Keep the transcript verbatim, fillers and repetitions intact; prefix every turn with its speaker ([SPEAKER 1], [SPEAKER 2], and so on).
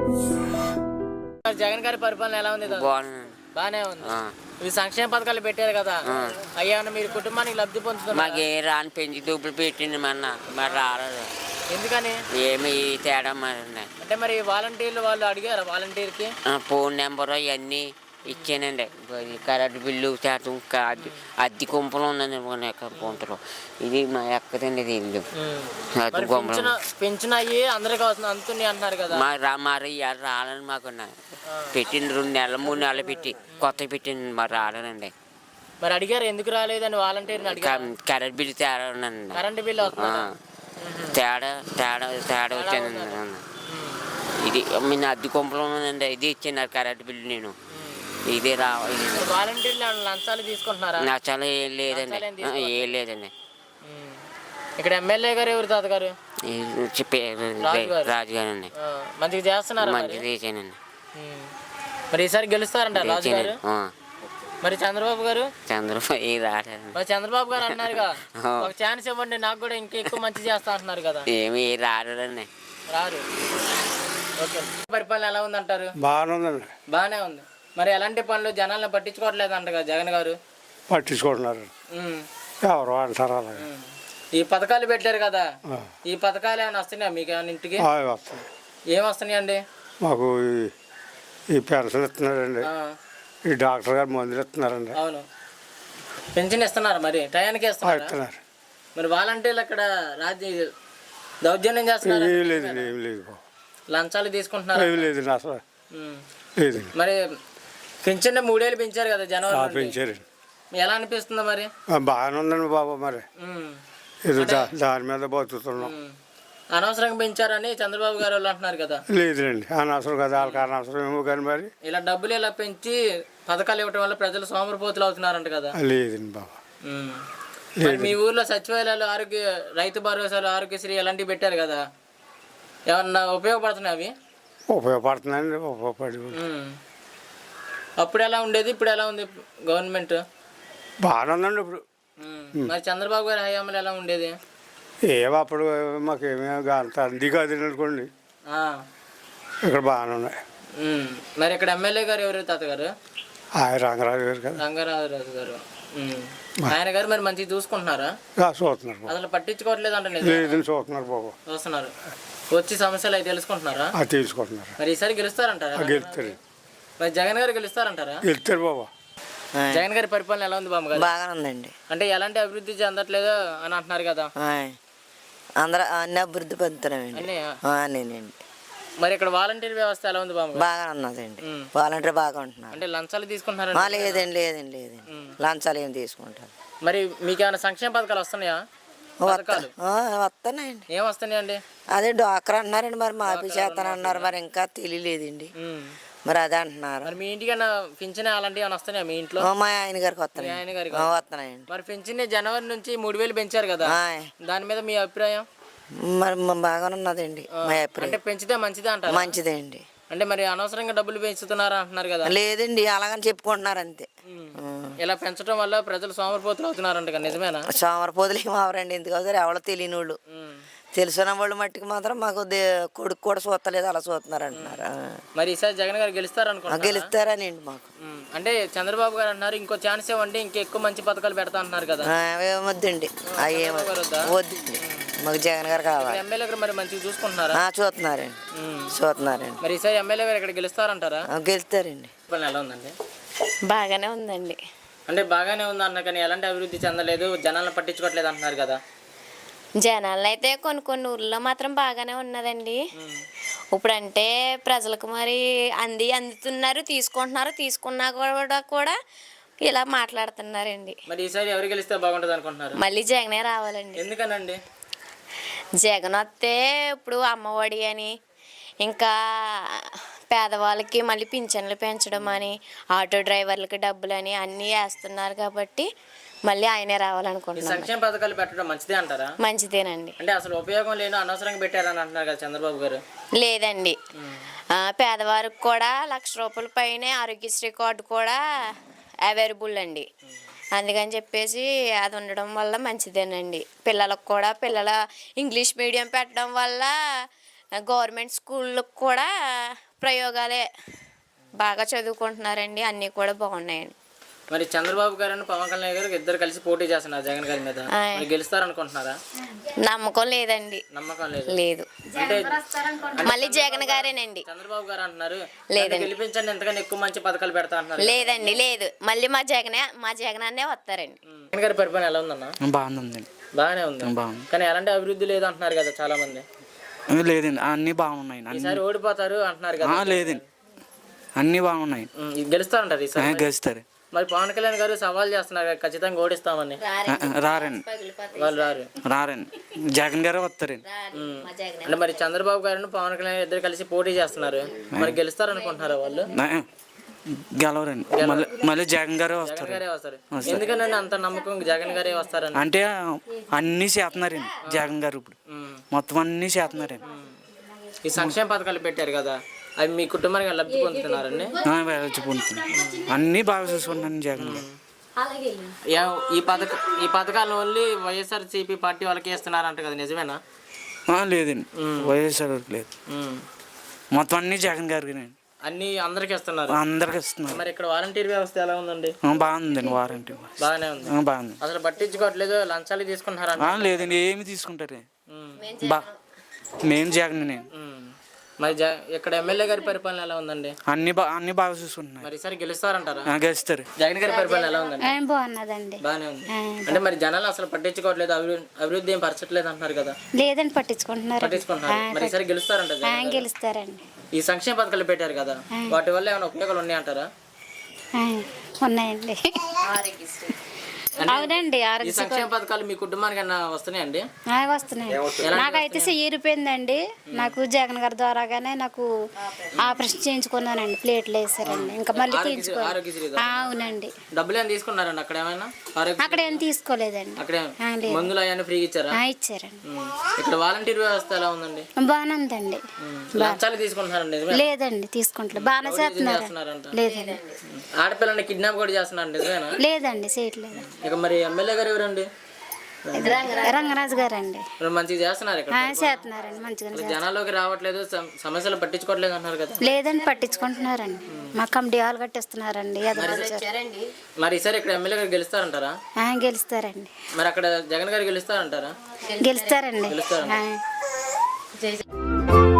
[SPEAKER 1] జగన్ గారి పరిపాలన ఎలా ఉంది? బాగానే ఉంది. ఇవి సంక్షేమ పథకాలు పెట్టారు కదా, అయ్యా మీరు కుటుంబానికి లబ్ధి పొందుతున్నారు?
[SPEAKER 2] మాకు ఏ రాని పెంచి డబ్బులు పెట్టింది మన మరి రాలేదు.
[SPEAKER 1] ఎందుకని?
[SPEAKER 2] ఏమి తేడా మరి
[SPEAKER 1] అంటే మరి వాలంటీర్లు వాళ్ళు అడిగారు, వాలంటీర్కి
[SPEAKER 2] ఫోన్ నెంబరు ఇవన్నీ ఇచ్చానండి. కరెంటు బిల్లు శాతం అద్దె గుంపలు ఉందండి గుంటలు. ఇది మా ఎక్కదండి ఇది ఇల్లు
[SPEAKER 1] పెన్షన్ అయ్యి అందరికి అందుతుంది అంటున్నారు కదా.
[SPEAKER 2] మా రా మరి రాలని మాకు పెట్టింది రెండు నెలలు మూడు నెలలు పెట్టి కొత్త పెట్టింది మరి రాలేనండి.
[SPEAKER 1] మరి అడిగారు ఎందుకు రాలేదని వాలంటీర్ని అడిగారు?
[SPEAKER 2] కరెంట్ బిల్లు తేడా ఉందండి.
[SPEAKER 1] కరెంటు బిల్లు
[SPEAKER 2] తేడా తేడా తేడా వచ్చానండి. ఇది మీ అద్దె గుంపలు ఉన్నదండి, ఇది ఇచ్చాను కరెంట్ బిల్లు. నేను ఇదే రావాలి.
[SPEAKER 1] వాలంటీర్లు లంచాలు తీసుకుంటున్నారా?
[SPEAKER 2] లంచాలు ఏం లేదండి, ఏం లేదండి.
[SPEAKER 1] ఇక్కడ ఎమ్మెల్యే గారు ఎవరు తాతగారు?
[SPEAKER 2] రాజుగారు అండి.
[SPEAKER 1] మంచిగా చేస్తున్నారు.
[SPEAKER 2] మంచిగా చేశానండి.
[SPEAKER 1] మరి ఈసారి గెలుస్తారంట రాజు గారు? మరి చంద్రబాబు గారు?
[SPEAKER 2] చంద్రబాబు రాలేదు.
[SPEAKER 1] మరి చంద్రబాబు గారు అన్నారుగా ఒక ఛాన్స్ ఇవ్వండి నాకు కూడా ఇంకా ఎక్కువ మంచి చేస్తా అంటున్నారు కదా.
[SPEAKER 2] ఏమి రారండి.
[SPEAKER 1] రారు. ఓకే. పరిపాలన ఎలా ఉంది అంటారు?
[SPEAKER 3] బాగానే ఉందండి.
[SPEAKER 1] బాగానే ఉంది. మరి ఎలాంటి పనులు జనాలను పట్టించుకోవట్లేదు అంట కదా జగన్ గారు?
[SPEAKER 3] పట్టించుకుంటున్నారు. ఎవరు అంటారు అలా.
[SPEAKER 1] ఈ పథకాలు పెట్టారు కదా, ఈ పథకాలు ఏమైనా వస్తున్నాయా మీకు ఏమైనా ఇంటికి?
[SPEAKER 3] వస్తాయి.
[SPEAKER 1] ఏం వస్తున్నాయండి?
[SPEAKER 3] మాకు ఈ పెన్షన్ ఇస్తున్నారండి, ఈ డాక్టర్ గారు మందులు ఇస్తున్నారండి.
[SPEAKER 1] అవును. పెన్షన్ ఇస్తున్నారు, మరి టయానికి ఇస్తున్నారు. మరి వాలంటీర్లు అక్కడ రాజ్య దౌర్జన్యం చేస్తున్నారు?
[SPEAKER 3] ఏం లేదండి, ఏం లేదు.
[SPEAKER 1] లంచాలు తీసుకుంటున్నారు?
[SPEAKER 3] ఏం లేదండి, అసలు లేదండి.
[SPEAKER 1] మరి పెన్షన్ మూడేళ్ళు పెంచారు కదా జనవరి
[SPEAKER 3] పెంచారండి.
[SPEAKER 1] ఎలా అనిపిస్తుందా మరి?
[SPEAKER 3] బాగానే ఉందండి బాబు. మరి ఇది దాని మీద బతుకుతున్నాం.
[SPEAKER 1] అనవసరంగా పెంచారని చంద్రబాబు గారు వాళ్ళు అంటున్నారు కదా.
[SPEAKER 3] లేదండి, అనవసరం కదా, వాళ్ళకి అనవసరం ఏమో కానీ మరి
[SPEAKER 1] ఇలా డబ్బులు ఇలా పెంచి పథకాలు ఇవ్వడం వల్ల ప్రజలు సోమరిపోతులు అవుతున్నారంట కదా.
[SPEAKER 3] లేదండి బాబా.
[SPEAKER 1] మీ ఊర్లో సచివాలయాలు, ఆరోగ్య రైతు భరోసాలు, ఆరోగ్యశ్రీ ఇలాంటివి పెట్టారు కదా, ఏమన్నా ఉపయోగపడుతున్నాయి అవి?
[SPEAKER 3] ఉపయోగపడుతున్నాయండి, ఉపయోగపడి.
[SPEAKER 1] అప్పుడు ఎలా ఉండేది, ఇప్పుడు ఎలా ఉంది గవర్నమెంట్?
[SPEAKER 3] బాగానే ఉందండి ఇప్పుడు.
[SPEAKER 1] మరి చంద్రబాబు గారి హయాంలో ఎలా ఉండేది?
[SPEAKER 3] ఏమో అప్పుడు మాకేమీ అంత అంది కాదు అనుకోండి, ఇక్కడ బాగానే ఉన్నాయి.
[SPEAKER 1] మరి ఇక్కడ ఎమ్మెల్యే గారు ఎవరు తాతగారు?
[SPEAKER 3] ఆయన రంగరాజు గారు కదా.
[SPEAKER 1] రంగరాజు గారు. ఆయన గారు మరి మంచిగా చూసుకుంటున్నారా?
[SPEAKER 3] చూస్తున్నారు.
[SPEAKER 1] అసలు పట్టించుకోవట్లేదు అంటే?
[SPEAKER 3] లేదని చూస్తున్నారు బాబు.
[SPEAKER 1] చూస్తున్నారు. వచ్చి సమస్యలు అవి తెలుసుకుంటున్నారా?
[SPEAKER 3] తెలుసుకుంటున్నారు.
[SPEAKER 1] మరి ఈసారి గెలుస్తారంటారా?
[SPEAKER 3] గెలుస్తారు.
[SPEAKER 1] మరి జగన్ గారు గెలుస్తారంటారా?
[SPEAKER 3] గెలుస్తారు బాబా.
[SPEAKER 1] జగన్ గారి పరిపాలన ఎలా ఉంది బాబు గారు?
[SPEAKER 4] బాగానే ఉందండి.
[SPEAKER 1] అంటే ఎలాంటి అభివృద్ధి చెందట్లేదు అని అంటున్నారు కదా.
[SPEAKER 4] అందరూ అన్ని అభివృద్ధి పొందుతున్నామండి.
[SPEAKER 1] మరి ఇక్కడ వాలంటీర్ వ్యవస్థ ఎలా ఉంది బాబు?
[SPEAKER 4] బాగా ఉన్నదండి. వాలంటీర్ బాగా ఉంటున్నారు.
[SPEAKER 1] అంటే లంచాలు తీసుకుంటున్నారు?
[SPEAKER 4] లేదండి, లేదండి, లేదండి, లంచాలు ఏం తీసుకుంటారు.
[SPEAKER 1] మరి మీకు ఏమైనా సంక్షేమ పథకాలు వస్తున్నాయా?
[SPEAKER 4] వస్తున్నాయండి.
[SPEAKER 1] ఏం వస్తున్నాయండి?
[SPEAKER 4] అదే డాక్టర్ అంటున్నారండి, మరి మాఫీ చేస్తాను అన్నారు, మరి ఇంకా తెలియలేదండి. మరి అదే అంటున్నారు.
[SPEAKER 1] మరి మీ ఇంటికి పింఛన్ అలాంటివి ఏమైనా వస్తున్నాయా మీ ఇంట్లో?
[SPEAKER 4] మా ఆయన గారికి వస్తున్నాయి. ఆయన గారికి వస్తున్నాయండి.
[SPEAKER 1] మరి పింఛన్ జనవరి నుంచి మూడు వేలు పెంచారు కదా, దాని మీద మీ అభిప్రాయం?
[SPEAKER 4] మరి బాగానే ఉన్నదండి మా అభిప్రాయం.
[SPEAKER 1] అంటే పెంచితే మంచిదే అంటారు?
[SPEAKER 4] మంచిదే అండి.
[SPEAKER 1] అంటే మరి అనవసరంగా డబ్బులు పెంచుతున్నారు అంటున్నారు కదా.
[SPEAKER 4] లేదండి, అలాగని చెప్పుకుంటున్నారు అంతే.
[SPEAKER 1] ఇలా పెంచడం వల్ల ప్రజలు సోమరిపోతులు అవుతున్నారంట కదా, నిజమేనా?
[SPEAKER 4] సోమరిపోతులు ఏమి అవరండి, ఎందుకు అవుతారు, ఎవరో తెలియని వాళ్ళు. తెలిసిన వాళ్ళు మట్టికి మాత్రం మాకు కొడుకు కూడా చూస్తలేదు, అలా చూస్తున్నారు అంటున్నారు.
[SPEAKER 1] మరి ఈసారి జగన్ గారు గెలుస్తారు అనుకుంటున్నారు?
[SPEAKER 4] గెలుస్తారనండి మాకు.
[SPEAKER 1] అంటే చంద్రబాబు గారు అన్నారు ఇంకో ఛాన్స్ ఇవ్వండి, ఇంకెక్కువ మంచి పథకాలు పెడతా అంటున్నారు కదా.
[SPEAKER 4] వద్దండి, అవి వద్దండి, మాకు జగన్ గారు కావాలి.
[SPEAKER 1] ఎమ్మెల్యే గారు మరి మంచిగా చూసుకుంటున్నారా?
[SPEAKER 4] చూస్తున్నారండి, చూస్తున్నారండి.
[SPEAKER 1] మరి ఈసారి ఎమ్మెల్యే గారు ఇక్కడ గెలుస్తారంటారా?
[SPEAKER 4] గెలుస్తారండి.
[SPEAKER 1] ఎలా ఉందండి?
[SPEAKER 5] బాగానే ఉందండి.
[SPEAKER 1] అంటే బాగానే ఉంది అన్న కానీ ఎలాంటి అభివృద్ధి చెందలేదు, జనాలను పట్టించుకోవట్లేదు అంటున్నారు కదా.
[SPEAKER 5] జనాలు అయితే కొన్ని కొన్ని ఊర్లో మాత్రం బాగానే ఉన్నదండి. ఇప్పుడంటే ప్రజలకు మరి అంది అందుతున్నారు, తీసుకుంటున్నారు, తీసుకున్నా కూడా కూడా ఇలా మాట్లాడుతున్నారండి.
[SPEAKER 1] మరి ఈసారి ఎవరు గెలిస్తే బాగుంటుంది అనుకుంటున్నారు?
[SPEAKER 5] మళ్ళీ జగనే రావాలండి.
[SPEAKER 1] ఎందుకనండి?
[SPEAKER 5] జగన్ వస్తే ఇప్పుడు అమ్మఒడి అని, ఇంకా పేదవాళ్ళకి మళ్ళీ పింఛన్లు పెంచడం అని, ఆటో డ్రైవర్లకి డబ్బులు అని అన్నీ వేస్తున్నారు కాబట్టి మళ్ళీ ఆయనే రావాలనుకుంటున్నాను.
[SPEAKER 1] సంక్షేమ పథకాలు పెట్టడం మంచిదే అంటారా?
[SPEAKER 5] మంచిదేనండి.
[SPEAKER 1] అంటే అసలు ఉపయోగం లేని అనవసరంగా పెట్టారని అంటున్నారు కదా చంద్రబాబు గారు.
[SPEAKER 5] లేదండి, పేదవారికి కూడా లక్ష రూపాయల పైనే ఆరోగ్యశ్రీ కార్డు కూడా అవైలబుల్ అండి. అందుకని చెప్పేసి అది ఉండడం వల్ల మంచిదేనండి. పిల్లలకు కూడా పిల్లల ఇంగ్లీష్ మీడియం పెట్టడం వల్ల గవర్నమెంట్ స్కూళ్ళకు కూడా ప్రయోగాలే బాగా చదువుకుంటున్నారండి, అన్నీ కూడా బాగున్నాయండి.
[SPEAKER 1] మరి చంద్రబాబు గారు పవన్ కళ్యాణ్ గారు ఇద్దరు కలిసి పోటీ చేస్తున్నారు జగన్ గారి మీద, మరి గెలుస్తారనుకుంటున్నారా?
[SPEAKER 5] నమ్మకం లేదండి.
[SPEAKER 1] నమ్మకం లేదు.
[SPEAKER 5] లేదు,
[SPEAKER 1] అంటే
[SPEAKER 5] మళ్ళీ జగన్ గారేనండి.
[SPEAKER 1] చంద్రబాబు గారు అంటున్నారు
[SPEAKER 5] లేదండి.
[SPEAKER 1] గెలిపించండి, ఎంతకన్నా ఎక్కువ మంచి పథకాలు పెడతా అంటున్నారు.
[SPEAKER 5] లేదండి, లేదు, మళ్ళీ మా జగనే మా జగన్ అన్నే వస్తారండి.
[SPEAKER 1] జగన్ గారి పరిపాలన ఎలా ఉందన్న?
[SPEAKER 6] బాగుందండి.
[SPEAKER 1] బాగానే ఉంది.
[SPEAKER 6] బాగుంది.
[SPEAKER 1] కానీ ఎలాంటి అభివృద్ధి లేదు అంటున్నారు కదా చాలా మంది.
[SPEAKER 6] లేదండి, అన్నీ బాగున్నాయి.
[SPEAKER 1] ఈసారి ఓడిపోతారు అంటున్నారు కదా.
[SPEAKER 6] లేదండి, అన్నీ బాగున్నాయి.
[SPEAKER 1] గెలుస్తారంటారు ఈసారి.
[SPEAKER 6] గెలుస్తారు.
[SPEAKER 1] మరి పవన్ కళ్యాణ్ గారు సవాల్ చేస్తున్నారు కదా, ఖచ్చితంగా ఓడిస్తామని.
[SPEAKER 6] రారండి,
[SPEAKER 1] వాళ్ళు రారు.
[SPEAKER 6] రారండి, జగన్ గారే వస్తారండి.
[SPEAKER 1] అంటే మరి చంద్రబాబు గారు పవన్ కళ్యాణ్ ఇద్దరు కలిసి పోటీ చేస్తున్నారు, మరి గెలుస్తారు అనుకుంటున్నారా వాళ్ళు?
[SPEAKER 6] గెలవరండి, మళ్ళీ మళ్ళీ జగన్ గారే వస్తారు.
[SPEAKER 1] జగన్ గారే వస్తారు. ఎందుకనండి అంత నమ్మకం జగన్ గారే వస్తారని?
[SPEAKER 6] అంటే అన్నీ చేస్తున్నారండి జగన్ గారు, ఇప్పుడు మొత్తం అన్నీ చేస్తున్నారండి.
[SPEAKER 1] ఈ సంక్షేమ పథకాలు పెట్టారు కదా, అవి మీ కుటుంబానికి లబ్ధి పొందుతున్నారండి?
[SPEAKER 6] లబ్ధి పొందుతున్నారు, అన్నీ బాగా చూసుకుంటున్నాను జగన్ గారు.
[SPEAKER 1] యా- ఈ పథక ఈ పథకాలు ఓన్లీ వైఎస్ఆర్సీపీ పార్టీ వాళ్ళకి ఇస్తున్నారంట కదా, నిజమేనా?
[SPEAKER 6] లేదండి, వైఎస్ఆర్ లేదు,
[SPEAKER 1] ఉమ్.
[SPEAKER 6] మొత్తం అన్నీ జగన్ గారికి
[SPEAKER 1] అన్ని అందరికి ఇస్తున్నారు.
[SPEAKER 6] అందరికి ఇస్తున్నారు.
[SPEAKER 1] మరి ఇక్కడ వాలంటీర్ వ్యవస్థ ఎలా ఉందండి?
[SPEAKER 6] బాగుందండి, వారంటీ
[SPEAKER 1] బాగానే ఉంది.
[SPEAKER 6] బాగుంది.
[SPEAKER 1] అసలు పట్టించుకోవట్లేదు, లంచాలు తీసుకుంటున్నారా?
[SPEAKER 6] లేదండి, ఏమి తీసుకుంటారు. బా మేము జగన్ నేను.
[SPEAKER 1] మరి జ ఇక్కడ ఎమ్మెల్యే గారి పరిపాలన ఎలా ఉందండి?
[SPEAKER 6] అన్ని బా అన్ని బాగా చూసుకుంటున్నారు.
[SPEAKER 1] మరి ఈసారి గెలుస్తారంటారా?
[SPEAKER 6] గెలుస్తారు.
[SPEAKER 1] జగన్ గారి పరిపాలన ఎలా ఉందండి?
[SPEAKER 7] బాగున్నదండి.
[SPEAKER 1] బాగానే ఉంది. అంటే మరి జనాలు అసలు పట్టించుకోవట్లేదు, అభివృద్ధి అభివృద్ధి ఏం పరచట్లేదు అంటున్నారు కదా.
[SPEAKER 7] లేదండి, పట్టించుకుంటున్నారు.
[SPEAKER 1] పట్టించుకుంటున్నారు. మరి ఈసారి గెలుస్తారంట జగన్ గారు?
[SPEAKER 7] గెలుస్తారండి.
[SPEAKER 1] ఈ సంక్షేమ పథకాలు పెట్టారు కదా, వాటి వల్ల ఏమైనా ఉపయోగాలు ఉన్నాయంటారా?
[SPEAKER 7] ఉన్నాయండి. అవునండి,
[SPEAKER 1] ఈ సంక్షేమ పథకాలు మీ కుటుంబానికి అన్న వస్తున్నాయండి?
[SPEAKER 7] వస్తున్నాయి. నాకైతే చెయ్యిరిపోయిందండి. నాకు జగన్ గారి ద్వారాగానే నాకు ఆపరేషన్ చేయించుకున్నానండి, ప్లేట్లు వేసారండి, ఇంకా మళ్ళీ తీయించుకో. అవునండి.
[SPEAKER 1] డబ్బులు ఏమైనా తీసుకున్నారండి అక్కడ ఏమైనా?
[SPEAKER 7] అక్కడ ఏం తీసుకోలేదండి.
[SPEAKER 1] అక్కడ మందులు అవన్నీ ఫ్రీగా ఇచ్చారా?
[SPEAKER 7] ఇచ్చారండి.
[SPEAKER 1] ఇక్కడ వాలంటీర్ వ్యవస్థ ఎలా ఉందండి?
[SPEAKER 7] బాగానే ఉందండి.
[SPEAKER 1] లంచాలు తీసుకుంటున్నారండి?
[SPEAKER 7] లేదండి, తీసుకుంటలేదు, బాగానే చేస్తున్నారు. లేదండి.
[SPEAKER 1] ఆడపిల్లని కిడ్నాప్ కూడా చేస్తున్నారు, నిజమేనా?
[SPEAKER 7] లేదండి, చేయట్లేదు.
[SPEAKER 1] ఇక మరి ఎమ్మెల్యే గారు ఎవరండి?
[SPEAKER 7] రంగరాజు గారండి.
[SPEAKER 1] మంచిగా చేస్తున్నారు ఇక్కడ?
[SPEAKER 7] చేస్తున్నారండి, మంచిగా.
[SPEAKER 1] జనాల్లోకి రావట్లేదు, సమస్యలు పట్టించుకోవట్లేదు అంటున్నారు కదా.
[SPEAKER 7] లేదండి, పట్టించుకుంటున్నారండి, మా కమిటీ హాల్ కట్టిస్తున్నారండి.
[SPEAKER 1] మరి ఈసారి ఇక్కడ ఎమ్మెల్యే గారు గెలుస్తారంటారా?
[SPEAKER 7] గెలుస్తారండి.
[SPEAKER 1] మరి అక్కడ జగన్ గారు గెలుస్తారంటారా?
[SPEAKER 7] గెలుస్తారండి.
[SPEAKER 1] గెలుస్తారండి.